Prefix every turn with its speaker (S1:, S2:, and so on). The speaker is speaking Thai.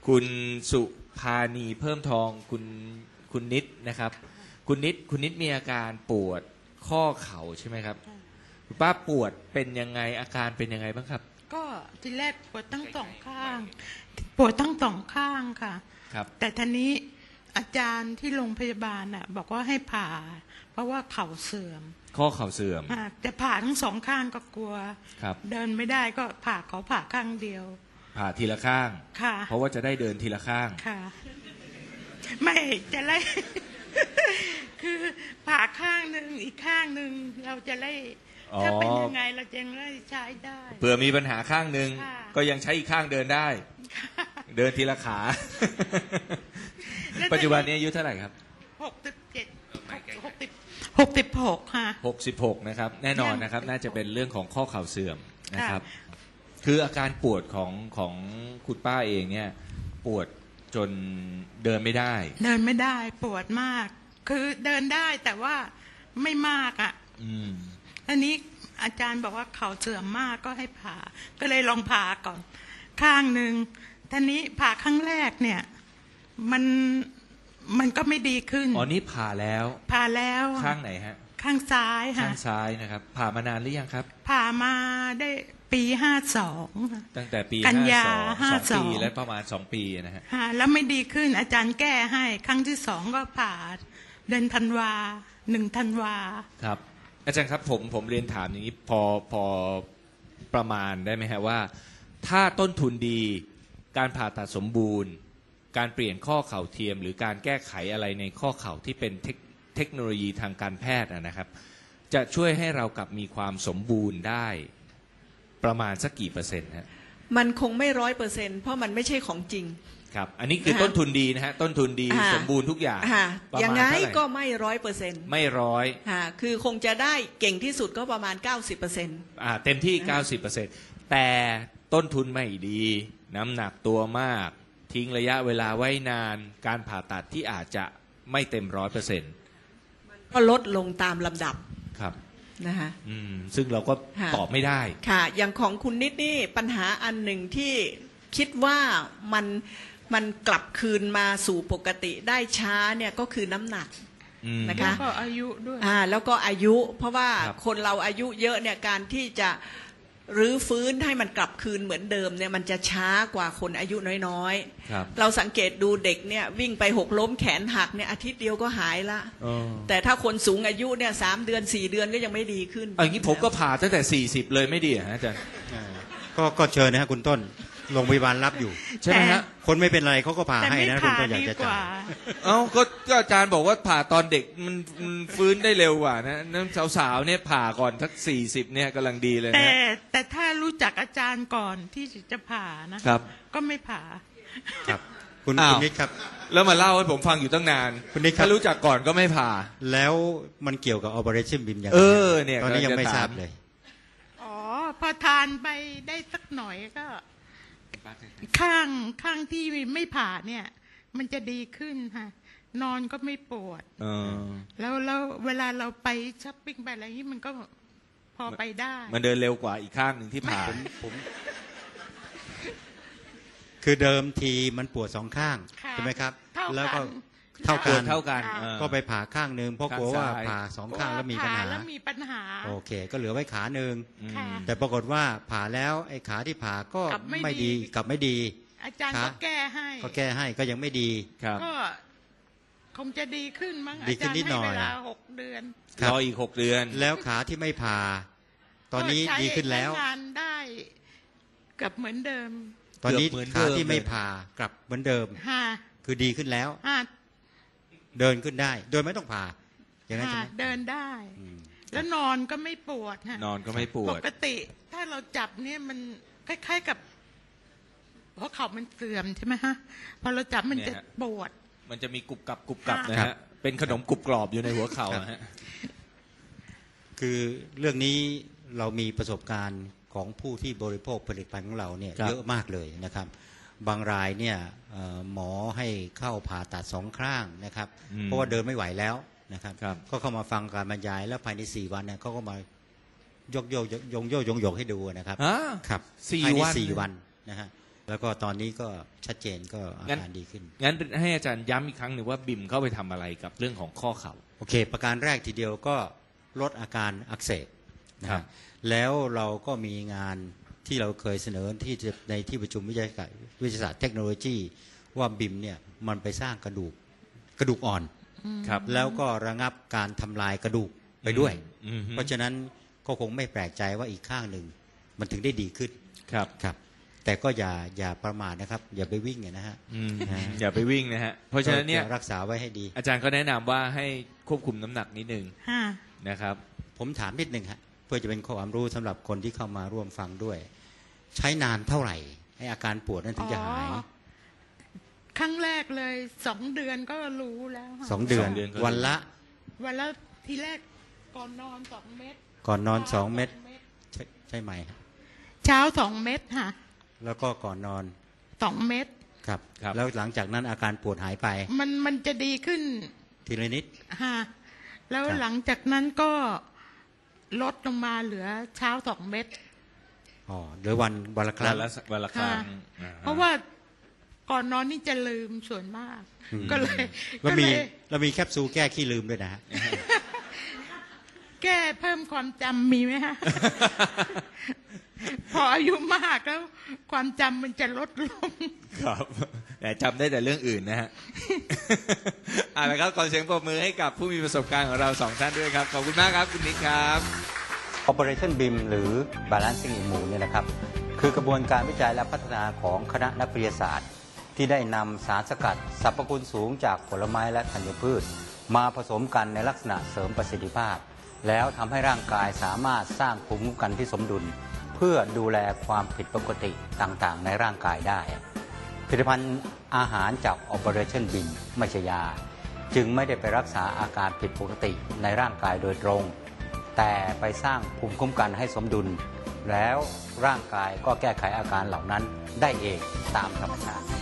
S1: คุณสุภานีเพิ่มทองคุณนิดนะครับคุณนิดมีอาการปวดข้อเข่าใช่ไหมครับคุณป้าปวดเป็นยังไงอาการเป็นยังไงบ้างครับ
S2: ก็ทีแรกปวดทั้งสองข้างปวดทั้งสองข้างค่ะ
S1: ครับ
S2: แต่ทีนี้อาจารย์ที่โรงพยาบาลน่ะบอกว่าให้ผ่าเพราะว่าเข่าเสื่อม
S1: ข้อเข่าเสื่อม
S2: แต่ผ่าทั้งสองข้างก็กลัว
S1: ครับ
S2: เดินไม่ได้ก็ผ่าข้างเดียว
S1: ผ่าทีละข้าง
S2: ค่ะ
S1: เพราะว่าจะได้เดินทีละข้าง
S2: ค่ะไม่จะไล่ คือผ่าข้างหนึ่งอีกข้างหนึ่งเราจะไล่ถ้าเป็นยังไงเราจะไล่ใช้ได้
S1: เผื่อมีปัญหาข้างหนึ่งก็ยังใช้อีกข้างเดินได้เดินทีละขาปัจจุบันนี้อายุเท่าไหร่ครับ
S2: 66ค่ะ
S1: 66นะครับแน่นอนนะครับน่าจะเป็นเรื่องของข้อเข่าเสื่อมนะครับคืออาการปวดของคุณป้าเองเนี่ยปวดจนเดินไม่ได้
S2: ปวดมากคือเดินได้แต่ว่าไม่มากอ่ะอันนี้อาจารย์บอกว่าเข่าเสื่อมมากก็ให้ผ่าก็เลยลองผ่าก่อนข้างหนึ่งท่านี้ผ่าครั้งแรกเนี่ยมันก็ไม่ดีขึ้น
S1: อ๋อนี่ผ่าแล้วข้างไหนฮะ
S2: ข้างซ้ายค่ะ
S1: ข้างซ้ายนะครับผ่ามานานหรือยังครับ
S2: ผ่ามาได้ปี52
S1: ตั้งแต่ปี
S2: กันยา
S1: 52 ปีและประมาณ2 ปีนะฮะ
S2: แล้วไม่ดีขึ้นอาจารย์แก้ให้ครั้งที่2ก็ผ่าเดือนธันวา1 ธันวา
S1: ครับอาจารย์ครับผมเรียนถามอย่างนี้พอประมาณได้ไหมฮะว่าถ้าต้นทุนดีการผ่าตัดสมบูรณ์การเปลี่ยนข้อเข่าเทียมหรือการแก้ไขอะไรในข้อเข่าที่เป็นเทคโนโลยีทางการแพทย์นะครับจะช่วยให้เรากลับมีความสมบูรณ์ได้ประมาณสักกี่เปอร์เซ็นต์ฮะ
S3: มันคงไม่100%เพราะมันไม่ใช่ของจริง
S1: ครับอันนี้คือต้นทุนดีนะฮะต้นทุนดีสมบูรณ์ทุกอย่าง
S3: อย่างไงก็ไม่100%
S1: ไม่
S3: คือคงจะได้เก่งที่สุดก็ประมาณ 90%
S1: เต็มที่ 90%แต่ต้นทุนไม่ดีน้ำหนักตัวมากทิ้งระยะเวลาไว้นานการผ่าตัดที่อาจจะไม่เต็ม 100%
S3: ก็ลดลงตามลำดับ
S1: ครับ
S3: นะคะ
S1: ซึ่งเราก็ตอบไม่ได้
S3: ค่ะอย่างของคุณนิดนี่ปัญหาอันหนึ่งที่คิดว่ามันกลับคืนมาสู่ปกติได้ช้าเนี่ยก็คือน้ำหนักนะคะ
S2: แล้วก็อายุด้วย
S3: แล้วก็อายุเพราะว่าคนเราอายุเยอะเนี่ยการที่จะรื้อฟื้นให้มันกลับคืนเหมือนเดิมเนี่ยมันจะช้ากว่าคนอายุน้อยๆเราสังเกตดูเด็กเนี่ยวิ่งไปหกล้มแขนหักเนี่ยอาทิตย์เดียวก็หายละแต่ถ้าคนสูงอายุเนี่ย3 เดือน 4 เดือนก็ยังไม่ดีขึ้น
S1: อย่างนี้ผมก็ผ่าตั้งแต่40เลยไม่ดีฮะอาจารย์
S4: ก็เชิญนะฮะคุณต้นโรงพยาบาลรับอยู่
S1: ใช่ไหมฮะ
S4: คนไม่เป็นไรเขาก็ผ่าให้นะคุณต้นอยากจะจ่าย
S1: ก็อาจารย์บอกว่าผ่าตอนเด็กมันฟื้นได้เร็วกว่านะน้ำสาวๆเนี่ยผ่าก่อนทัก40เนี่ยกำลังดีเลยนะ
S2: แต่ถ้ารู้จักอาจารย์ก่อนที่จะผ่านะครับก็ไม่ผ่า
S4: ครับคุณนิดครับ
S1: แล้วมาเล่าให้ผมฟังอยู่ตั้งนาน
S4: คุณนิด
S1: ถ้ารู้จักก่อนก็ไม่ผ่า
S4: แล้วมันเกี่ยวกับ Operation BIM อย่างไร
S1: เนี่ย
S4: ตอนนี้ยังไม่ทราบเลย
S2: พอทานไปได้สักหน่อยก็ข้างที่ไม่ผ่าเนี่ยมันจะดีขึ้นค่ะนอนก็ไม่ปวดแล้วเวลาเราไปช้อปปิ้งไปอะไรนี้มันก็พอไปได้
S1: มันเดินเร็วกว่าอีกข้างหนึ่งที่ผ่า
S4: ผมคือเดิมทีมันปวด2 ข้างใช่ไหมครับแล้วก็เท่ากันก็ไปผ่าข้างนึงเพราะกลัวว่าผ่า2 ข้างแล้วมีปัญหาโอเคก็เหลือไว้ขานึงแต่ปรากฏว่าผ่าแล้วไอ้ขาที่ผ่าก็ไม่ดีกลับไม่ดี
S2: อาจารย์ก็แก้
S4: ให้ก็ยังไม่ดี
S2: ก็คงจะดีขึ้นมั้ง
S4: ดีขึ้นนิดหน่อย
S2: เวลา6 เดือน
S1: รออีก6 เดือน
S4: แล้วขาที่ไม่ผ่าตอนนี้ดีขึ้นแล้ว
S2: งานได้กลับเหมือนเดิม
S4: ตอนนี้ขาที่ไม่ผ่ากลับเหมือนเดิมคือดีขึ้นแล้วเดินขึ้นได้โดยไม่ต้องผ่าอย่างนั้นใช่ไหม
S2: เดินได้แล้วนอนก็ไม่ปวด
S1: นอนก็ไม่ปวด
S2: ปกติถ้าเราจับเนี่ยมันคล้ายๆกับเพราะเข่ามันเสื่อมใช่ไหมฮะพอเราจับมันจะปวด
S1: มันจะมีกรุบกรับนะฮะเป็นขนมกรุบกรอบอยู่ในหัวเข่าฮะ
S4: คือเรื่องนี้เรามีประสบการณ์ของผู้ที่บริโภคผลิตภัณฑ์ของเราเนี่ยเยอะมากเลยนะครับบางรายเนี่ยหมอให้เข้าผ่าตัด2 ข้างนะครับเพราะว่าเดินไม่ไหวแล้วนะครับก็เข้ามาฟังการบรรยายแล้วภายใน4 วันเนี่ยเขาก็มายกให้ดูนะครับ
S1: ครับ
S4: ภายใน4 วันนะฮะแล้วก็ตอนนี้ก็ชัดเจนก็อาการดีขึ้น
S1: งั้นให้อาจารย์ย้ำอีกครั้งหนึ่งว่าบิมเข้าไปทำอะไรกับเรื่องของข้อเข่า
S4: โอเคประการแรกทีเดียวก็ลดอาการอักเสบนะครับแล้วเราก็มีงานที่เราเคยเสนอในที่ประชุมวิทยาศาสตร์เทคโนโลยีว่าบิมเนี่ยมันไปสร้างกระดูกอ่อนครับแล้วก็ระงับการทำลายกระดูกไปด้วยเพราะฉะนั้นก็คงไม่แปลกใจว่าอีกข้างหนึ่งมันถึงได้ดีขึ้นครับแต่ก็อย่าประมาทนะครับอย่าไปวิ่งนะฮะ
S1: อย่าไปวิ่งนะฮะเพราะฉะนั้นเนี่ย
S4: รักษาไว้ให้ดี
S1: อาจารย์ก็แนะนำว่าให้ควบคุมน้ำหนักนิดนึงนะครับ
S4: ผมถามนิดนึงฮะเพื่อจะเป็นความรู้สำหรับคนที่เข้ามาร่วมฟังด้วยใช้นานเท่าไหร่ให้อาการปวดนั้นถึงจะหาย
S2: ครั้งแรกเลย2 เดือนก็รู้แล้ว
S4: 2 เดือนวันละ
S2: ทีแรกก่อนนอน2 เม็ด
S4: ก่อนนอน2 เม็ดใช่ไหม
S2: เช้า2 เม็ดค่ะ
S4: แล้วก็ก่อนนอน
S2: 2 เม็ด
S4: ครับแล้วหลังจากนั้นอาการปวดหายไป
S2: มันจะดีขึ้น
S4: ทีละนิด
S2: ค่ะแล้วหลังจากนั้นก็ลดลงมาเหลือเช้า2 เม็ด
S4: หรือวันละครั้ง
S1: วันละครั้ง
S2: เพราะว่าก่อนนอนนี่จะลืมส่วนมากก็เลย
S4: เรามีแคปซูลแก้ขี้ลืมด้วยนะฮะ
S2: แก้เพิ่มความจำมีไหมฮะ พออายุมากแล้วความจำมันจะลดลง
S1: ครับแต่จำได้แต่เรื่องอื่นนะฮะแล้วครับขอเสียงปรบมือให้กับผู้มีประสบการณ์ของเรา2 ท่านด้วยครับขอบคุณมากครับคุณนิกครับ
S4: Operation BIM หรือ Balancing Immune เนี่ยนะครับคือกระบวนการวิจัยและพัฒนาของคณะนักวิทยาศาสตร์ที่ได้นำสารสกัดสรรพคุณสูงจากผลไม้และธัญพืชมาผสมกันในลักษณะเสริมประสิทธิภาพแล้วทำให้ร่างกายสามารถสร้างภูมิคุ้มกันที่สมดุลเพื่อดูแลความผิดปกติต่างๆในร่างกายได้ผลิตภัณฑ์อาหารจาก Operation BIM ไม่ใช่ยาจึงไม่ได้ไปรักษาอาการผิดปกติในร่างกายโดยตรงแต่ไปสร้างภูมิคุ้มกันให้สมดุลแล้วร่างกายก็แก้ไขอาการเหล่านั้นได้เองตามธรรมชาติ